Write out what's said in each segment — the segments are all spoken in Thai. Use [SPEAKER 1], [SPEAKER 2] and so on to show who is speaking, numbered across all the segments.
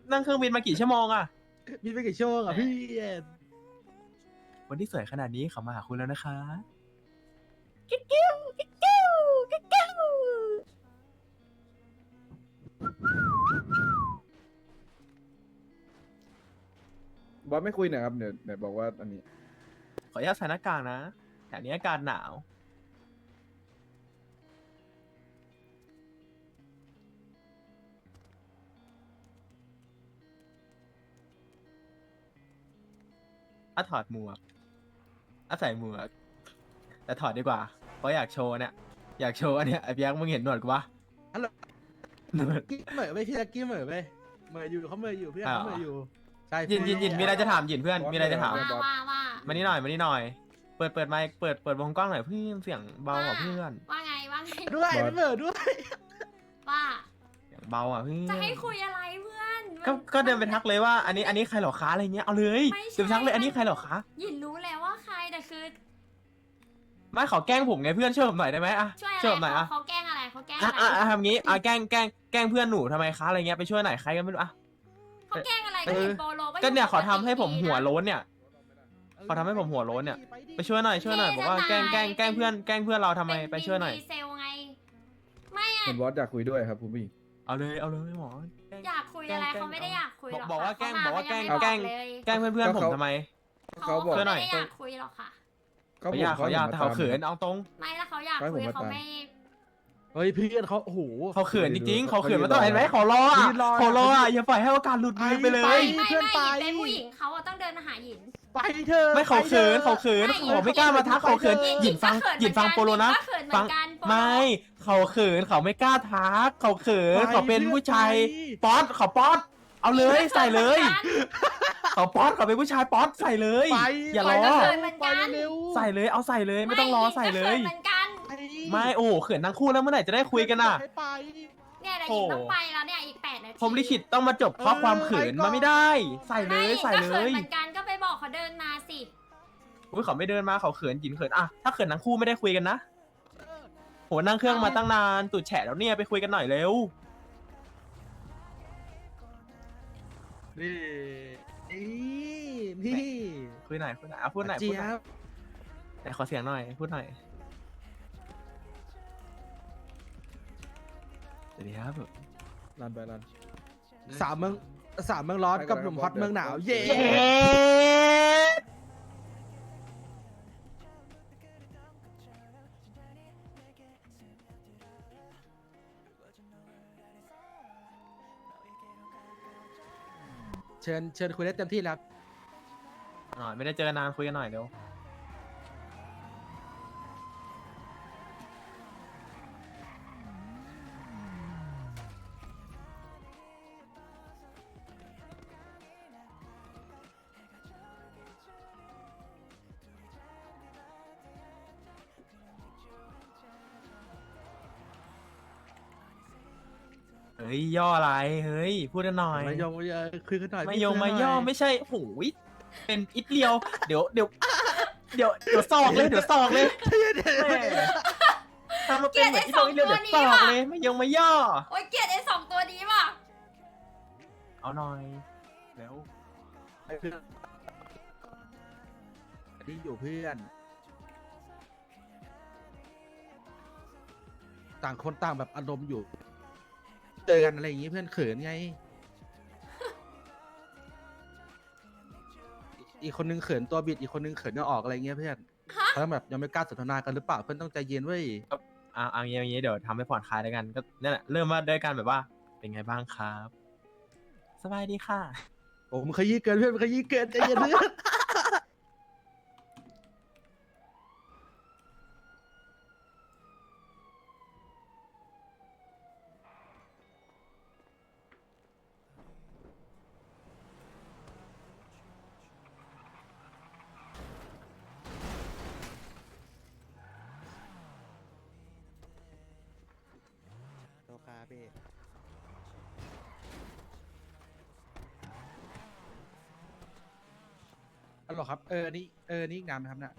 [SPEAKER 1] นั่งเครื่องบินมากี่ชั่วโมงอะ
[SPEAKER 2] บินไปกี่ชั่วโมงอ่ะพี่
[SPEAKER 1] วันที่สวยขนาดนี้เขามาหาคุณแล้วนะคะ
[SPEAKER 3] บอสไม่คุยหน่อยครับเดี๋ยวไหนบอกว่าอันนี้
[SPEAKER 1] ขออนุญาตใส่หน้ากากนะแถวนี้อากาศหนาวถอดหมวกใส่หมวกแต่ถอดดีกว่าเพราะอยากโชว์เนี่ยอยากโชว์อันเนี้ยไอ้เปียกมึงเห็นหนวดกูปะ
[SPEAKER 2] ฮัลโหล
[SPEAKER 1] หนวด
[SPEAKER 2] กี้เหม่อไปพี่ตะกี้เหม่อไปเหม่ออยู่เขาเหม่ออยู่พี่เขาเหม่ออยู่ใช่
[SPEAKER 1] ยินมีอะไรจะถามยินเพื่อนมีอะไรจะถาม
[SPEAKER 4] ว่า
[SPEAKER 1] มานี่หน่อยเปิดไมค์เปิดวงกล้องหน่อยเพื่อนเสียงเบากว่าเพื่อน
[SPEAKER 4] ว่าไง
[SPEAKER 2] ด้วยเหม่อด้วย
[SPEAKER 4] ว่า
[SPEAKER 1] เสียงเบาอ่ะเพื่อน
[SPEAKER 4] จะให้คุยอะไรเพื่อน
[SPEAKER 1] ก็เดินไปทักเลยว่าอันนี้ใครเหรอคะอะไรเงี้ยเอาเลยเดินไปทักเลยอันนี้ใครเหรอคะ
[SPEAKER 4] หยินรู้แล้วว่าใครแต่คือ
[SPEAKER 1] ไม่ขอแกล้งผมไงเพื่อนช่วยผมหน่อยได้ไหมอะ
[SPEAKER 4] ช่วย
[SPEAKER 1] ช่วยผมห
[SPEAKER 4] อะ
[SPEAKER 1] น่อย
[SPEAKER 4] ไร
[SPEAKER 1] อะ
[SPEAKER 4] เขาแกล้งอะไรเขาแกล้ง
[SPEAKER 1] อ่ะ
[SPEAKER 4] อะไร
[SPEAKER 1] ทำงี้แกล้งเพื่อนหนูทำไมคะอะไรเงี้ยไปช่วยหน่อยใครก็ไม่รู้อะ
[SPEAKER 4] เขาแกล้งอะไรก็เห็นโปโล
[SPEAKER 1] ก็เนี่ยขอทำให้ผมหัวโล้นเนี่ยขอทำให้ผมหัวโล้นเนี่ยไปช่วยหน่อยบอกว่าแกล้งเพื่อนเราทำไมไปช่วยหน่อย
[SPEAKER 4] เซลไงไม่อะ
[SPEAKER 3] เห็นบอสอยากคุยด้วยครับคุณผู้หญิง
[SPEAKER 1] เอาเลยหมอ
[SPEAKER 4] อยากคุยอะไรเขาไม่ได้อยากคุยหรอก
[SPEAKER 1] บอกว่าแกล้ง
[SPEAKER 4] เขม
[SPEAKER 1] บอกว่าแกล้ง
[SPEAKER 4] เขยังไม่
[SPEAKER 1] แกล้งเพื่อนผมทำไม
[SPEAKER 4] เขา
[SPEAKER 3] บอก
[SPEAKER 1] ช่วยหน่อย
[SPEAKER 4] ไม่ได้อยากคุยหรอกค่ะ
[SPEAKER 3] ก็
[SPEAKER 1] เขาอยากแต่เขาเขินเอาตรง
[SPEAKER 4] ไม่แล้วเขาอยากคุยเขาไม่
[SPEAKER 2] เฮ้ยเพื่อนเขาโอ้โห
[SPEAKER 1] เขาเขินจริงๆเขาเขินมาตลอดเห็นไหมเขารออ่ะ
[SPEAKER 2] ยืนรอ
[SPEAKER 1] เขารออ่ะอย่าปล่อยให้โอกาสหลุดมือไปเล
[SPEAKER 2] ไป
[SPEAKER 1] ย
[SPEAKER 4] ไม่
[SPEAKER 2] เพื่อนไป
[SPEAKER 4] หยินเป็นผู้หญิงเขาอะต้องเดินมาหาหยิน
[SPEAKER 2] ไปเถอะ
[SPEAKER 1] ไม่เขาเขิน
[SPEAKER 2] ไปถอะ
[SPEAKER 1] เขาไม่กล้ามาทักเขาเขินหยินฟังโปโลนะ
[SPEAKER 4] ก็เขินเหมื
[SPEAKER 1] ฟั
[SPEAKER 4] อง นกันโปโล
[SPEAKER 1] ไม่เขาเขินเขาไม่กล้าทักเขาเขินเขาเป็นผู้ชายป๊อตเขาป๊อตเอาเลยใส่เลยเขาป๊อตเขาเป็นผู้ชายป๊อตใส่เลย
[SPEAKER 2] ไป
[SPEAKER 1] อย่าร
[SPEAKER 2] ไป
[SPEAKER 1] อ
[SPEAKER 2] เถะ
[SPEAKER 4] เหมือนกัน
[SPEAKER 2] ไปเร็ว
[SPEAKER 1] ใส่เลยเอาใส่เลยไม่ต้องรอใส่เลย
[SPEAKER 4] ก็ขินเหมือนกัน
[SPEAKER 2] ไป
[SPEAKER 1] ไม่โอ้โหเขินทั้งคู่แล้วเมื่อไหร่จะได้คุยกันอ่ะ
[SPEAKER 2] ให้ไป
[SPEAKER 4] เนี่ยเดี๋ยวหยินต้องไปแล้วเนี่ยอีก8 นาที
[SPEAKER 1] ผมลิขิตต้องมาจบเพราะความเขินมาไม่ได้ ใส่เลยใส่
[SPEAKER 4] ก็
[SPEAKER 1] เล
[SPEAKER 4] เขิน
[SPEAKER 1] ย
[SPEAKER 4] เหมือนกันก็ไปบอกเขาเดินมาสิ
[SPEAKER 1] อุ้ยเขาไม่เดินมาเขาเขินหยินเขินอะถ้าเขินทั้งคู่ไม่ได้คุยกันนะโหนั่งเครื่องมาตั้งนานตูดแฉะแล้วเนี่ยไปคุยกันหน่อยเร็ว
[SPEAKER 2] นี่นี่
[SPEAKER 1] คุยหน่อยอ่ะพูดหน่อย
[SPEAKER 2] เจี๊ยบ
[SPEAKER 1] ไหนขอเสียงหน่อยพูดหน่อยสวัสดีครับ
[SPEAKER 3] รันไปรัน
[SPEAKER 2] สามเมืองร้อนกับหนุ่มฮอตเมืองหนาว เย้
[SPEAKER 1] เย้
[SPEAKER 2] เชิญคุยได้เต็มที่แล้ว
[SPEAKER 1] หน่อยไม่ได้เจอกันนานคุยกันหน่อยเร็วเฮ้ยย่ออะไรเฮ้ยพูดกันหน่อย
[SPEAKER 2] ไม่ยอมคุยกันหน่อย
[SPEAKER 1] ไม่
[SPEAKER 2] พี่
[SPEAKER 1] ยง
[SPEAKER 2] คุ
[SPEAKER 1] ไม่
[SPEAKER 2] กันห
[SPEAKER 1] ย่
[SPEAKER 2] น่
[SPEAKER 1] อไม่ใช่โหยเป็นอิดเลียวเดี๋ยวซอกเลยแม่ทำมาเป็นเหมือนอิดเลียวเดี๋ยวซอกเลยไม่ยงไม่ย่อ
[SPEAKER 4] โอ๊ยเกลียดไอ้2 ตัวนี้ว่ะ
[SPEAKER 1] เอาหน่อยแล้ว
[SPEAKER 2] เพื่อนนี่อยู่เพื่อน ต่างคนต่างแบบอารมณ์อยู่ เจอกันอะไรอย่างงี้เพื่อนเขินไง อีกคนนึงเขินตัวบิดอีกคนนึงเขินจะออกอะไรเงี้ยเพื่อนเขาต้องแบบยังไม่กล้าสนทนากันหรือเปล่าเพื่อนต้องใจเย็นเว้ย
[SPEAKER 1] เอาอย่างงี้เดี๋ยวทำให้ผ่อนคลายแล้วกันก็นั่นแหละเริ่มมาด้วยกันแบบว่าเป็นไงบ้างครับ สบายดีค่ะ
[SPEAKER 2] โอ้มันขยี้เกินเพื่อนมันขยี้เกินใจเย็นเพื่อน
[SPEAKER 5] โลคาพี่
[SPEAKER 2] ฮัลโหลครับนี่นี่อีกนานไหมครับเนี่ย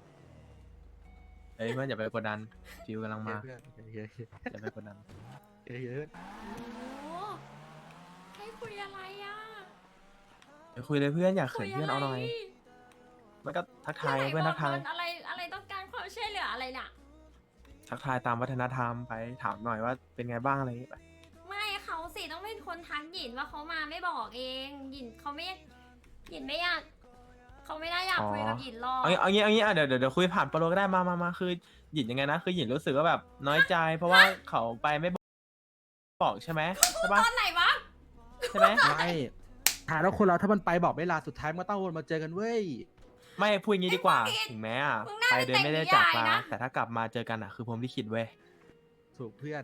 [SPEAKER 1] เฮ้ยเพื่อนอย่าไปกดดันฟิวกำลังมา
[SPEAKER 2] เพื่อนเฮ้ย
[SPEAKER 1] อย่าไปกดดัน
[SPEAKER 2] เฮ้ย
[SPEAKER 4] โอ้ให้คุยอะอะไรอ่ะ
[SPEAKER 1] เดี๋ยวคุยเลยเพื่อนอยากเขินเพื่อนเอาหน่อยมันก็ทักทาย
[SPEAKER 4] ไห
[SPEAKER 1] เพื่อนทักทาย
[SPEAKER 4] บอะไรอะไรต้องการความช่วยเหลืออะไรน่ะ
[SPEAKER 1] ทักทายตามวัฒนธรรมไปถามหน่อยว่าเป็นไงบ้างอะไรอย่างเงี้ยไป
[SPEAKER 4] ไม่เขาสิต้องเป็นคนทักหยินว่าเขามาไม่บอกเองหยินเขาไม่หยินไม่อยากเขาไม่ได้อยากคุยกับหยินหรอก
[SPEAKER 1] เอางี้อ่ะเดี๋ยวคุยผ่านโปรโลก็ได้มาคือหยินยังไงนะคือหยินรู้สึกว่าแบบน้อยใจ เพราะว่าเขาไปไม่บอกใช่ไหมใช่ปะ
[SPEAKER 4] ตอนไหนวะ
[SPEAKER 1] ใช่ไหม
[SPEAKER 2] ไม่ถามแล้วคนเราถ้ามันไปบอกไม่ลาสุดท้ายมันก็ต้องวนมาเจอกันเว้ย
[SPEAKER 1] ไม่พูดอย่างนี้ดีกว่าถึงแม้อ่ะ
[SPEAKER 4] มึงน่า
[SPEAKER 1] ไป
[SPEAKER 4] จะ
[SPEAKER 1] เดินไม่ได้
[SPEAKER 4] แต่ง
[SPEAKER 1] จาก
[SPEAKER 4] นิยาย
[SPEAKER 1] ลา
[SPEAKER 4] นะ
[SPEAKER 1] แต่ถ้ากลับมาเจอกันอ่ะคือผมลิขิตเว้ย
[SPEAKER 2] ถูกเพื่อน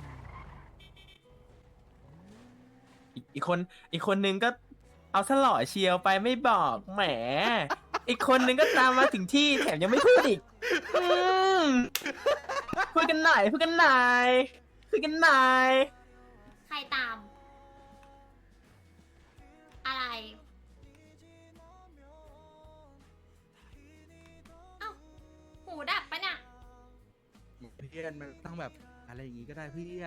[SPEAKER 1] อีกคนนึงก็เอาสล่อเชียวไปไม่บอกแหม อีกคนนึงก็ตามมาถึงที่แถมยังไม่พูดอีกพูดกันหน่อยพูดกันหน่อยพูดกันหน่อย
[SPEAKER 4] ใครตาม อะไร เอ้า หูดับปะเนี่ย
[SPEAKER 2] เพื่อนมันต้องแบบอะไรอย่างงี้ก็ได้เพื่อน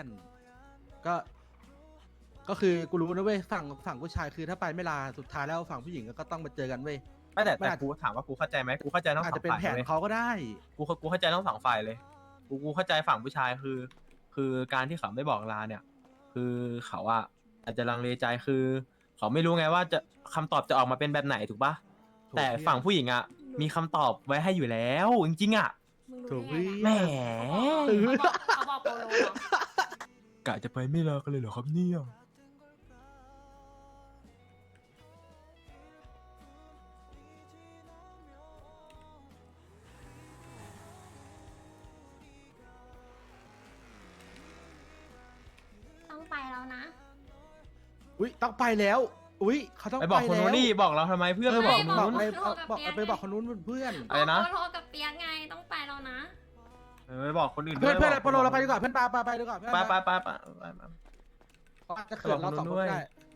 [SPEAKER 2] ก็คือกูรู้นะเว้ยฝั่งผู้ชายคือถ้าไปไม่ลาสุดท้ายแล้วฝั่งผู้หญิงก็ต้องมาเจอกันเว้ย
[SPEAKER 1] ไม่แต่
[SPEAKER 2] มันอาจ
[SPEAKER 1] กูถามว่ากูเข้าใจไหมกูเข้าใจทั้ง
[SPEAKER 2] อาจ
[SPEAKER 1] สอ
[SPEAKER 2] จะ
[SPEAKER 1] ง
[SPEAKER 2] เป็น
[SPEAKER 1] ฝ่าย
[SPEAKER 2] แผน
[SPEAKER 1] เลย
[SPEAKER 2] เขาก็ได้
[SPEAKER 1] กูเข้าใจทั้งสองฝ่ายเลยกูเข้าใจฝั่งผู้ชายคือการที่เขาไม่บอกลาเนี่ย คือเขาอะอาจจะลังเลใจคือ เขาไม่รู้ไงว่าจะคำตอบจะออกมาเป็นแบบไหนถูกปะ
[SPEAKER 2] ถูก
[SPEAKER 1] แต่ฝั่งผู้หญิงอะมีคำตอบไว้ให้อยู่แล้วจริงๆอะ
[SPEAKER 4] มึง
[SPEAKER 2] ถู
[SPEAKER 4] รู้
[SPEAKER 2] ก
[SPEAKER 4] ได้
[SPEAKER 2] เพื่
[SPEAKER 4] ไง
[SPEAKER 2] อน
[SPEAKER 1] แหม
[SPEAKER 4] อะเขาบอกโปโลเหรอก
[SPEAKER 1] ะจะไปไม่ลากันเลยเหรอครับเนี่ย
[SPEAKER 4] ต้องไปแล้วนะ
[SPEAKER 2] อุ้ยต้องไปแล้ว อุ้ยเขาต้อง
[SPEAKER 1] ไป
[SPEAKER 2] ไป
[SPEAKER 1] บอกคน
[SPEAKER 2] แล้
[SPEAKER 1] นู้
[SPEAKER 2] วน
[SPEAKER 1] ดิบอกเราทำไมเพื่อน
[SPEAKER 2] เออ
[SPEAKER 1] ไป
[SPEAKER 2] บบ อ
[SPEAKER 1] อก กคนนู้น
[SPEAKER 2] ไป
[SPEAKER 4] บอกกับ
[SPEAKER 2] บอก
[SPEAKER 4] เปียก
[SPEAKER 2] ไปบอกคนนู้นเพื่อน
[SPEAKER 1] อะไรนะ
[SPEAKER 4] โปโลกับเปียกไงต้องไปแล้วนะ
[SPEAKER 1] ไปบอกคนอื่นด้
[SPEAKER 2] เพื่
[SPEAKER 1] ว
[SPEAKER 2] อย นเพื่อน
[SPEAKER 1] บอก
[SPEAKER 2] โปรโลเราไปดีกว่าเพื่อนไปดีกว่าเพื่อน
[SPEAKER 1] ไป
[SPEAKER 2] เขาอาจจะเขินเราสองคนก็ได้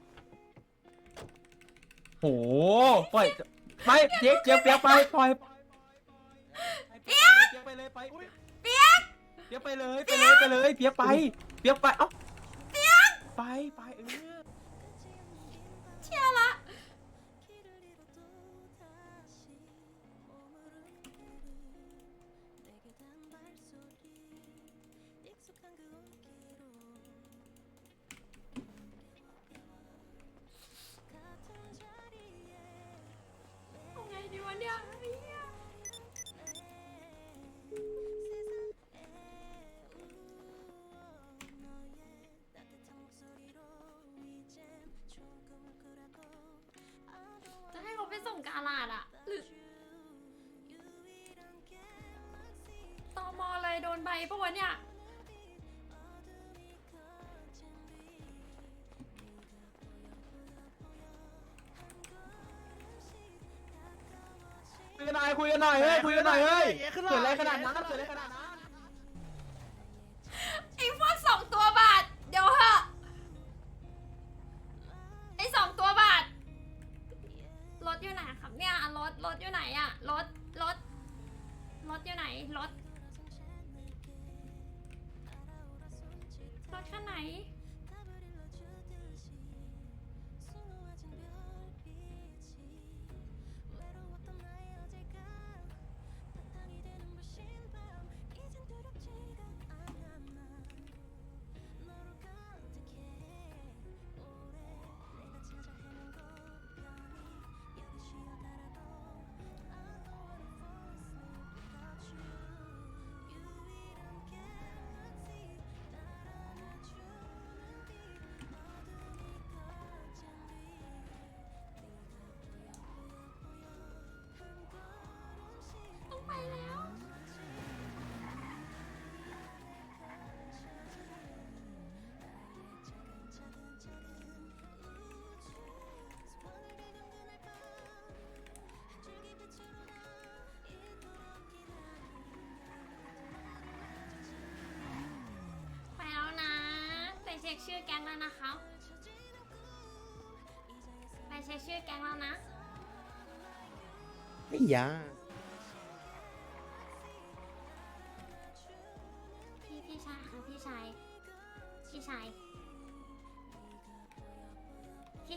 [SPEAKER 1] โหปล่อยไม่เจ๊กเปียกไปปล่อยเปียกไปเลยไปเปียกไปเลยเปียกไปเอ้าไป
[SPEAKER 4] เชื่อละ เอาไงดีวะเนี่ยไอ้เหี้ย จะให้เขาไปส่งกาลาดอะหรือตมเลยโดนใบปะวะเนี่ย
[SPEAKER 1] คุยกันหน่อยเฮ้ยเกิดอะไรขนาดนั้น
[SPEAKER 4] ไอ้พวกสองตัวบาท เดี๋ยวเหอะไอ้สองตัวบาท รถอยู่ไหนครับเนี่ยรถอยู่ไหนอะรถอยู่ไหนรถคันไหน ต้องไปแล้ว ไปแล้วนะ ไปเช็คชื่อแก๊งแล้วนะคะไปเช็คชื่อแก๊งแล้วนะ
[SPEAKER 5] ไอ้ยา
[SPEAKER 4] พี่ชายค่ะพี่ชาย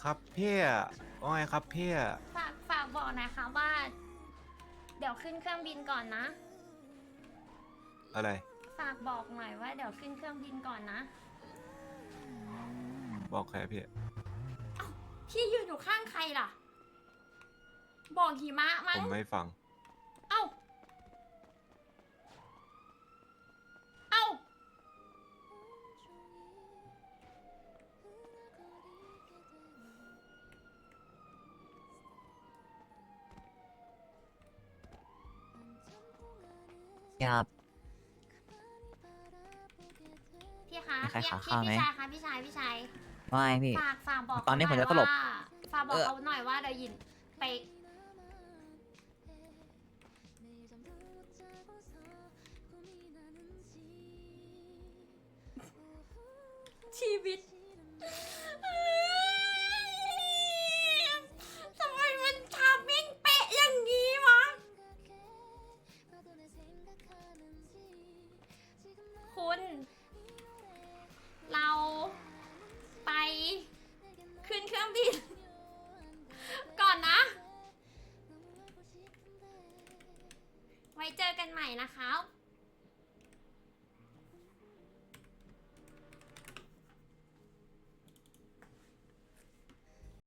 [SPEAKER 6] ครับพี่ว่าไงครับพี่
[SPEAKER 4] ฝากบอกหนะคะว่า เดี๋ยวขึ้นเครื่องบินก่อนนะ
[SPEAKER 6] อะไร
[SPEAKER 4] ฝากบอกหน่อยว่าเดี๋ยวขึ้นเครื่องบินก่อนนะ
[SPEAKER 6] บอกใครพี่
[SPEAKER 4] พี่ยืนอยู่ข้างใครล่ะ บอกหิมะมั้
[SPEAKER 6] ผ
[SPEAKER 4] ง
[SPEAKER 6] มไม่ฟัง
[SPEAKER 4] เอ้า เอ้า
[SPEAKER 7] ครับ
[SPEAKER 4] พี่คะ
[SPEAKER 7] มีใคร
[SPEAKER 4] พี่
[SPEAKER 7] ขอข้าวไหม
[SPEAKER 4] พี่ชายคะพี่ชาย
[SPEAKER 7] ว่าไงพี่
[SPEAKER 4] ฝากบอก
[SPEAKER 7] ตอนนี้ผมจะตลบ
[SPEAKER 4] ฝากบอกเขาหน่อยว่าเดี๋ยวหยินไป ชีวิตทำไมมันทามิ่งเป๊ะอย่างนี้วะ คุณ เราไปขึ้นเครื่องบิน ก่อนนะ ไว้เจอกันใหม่นะครับ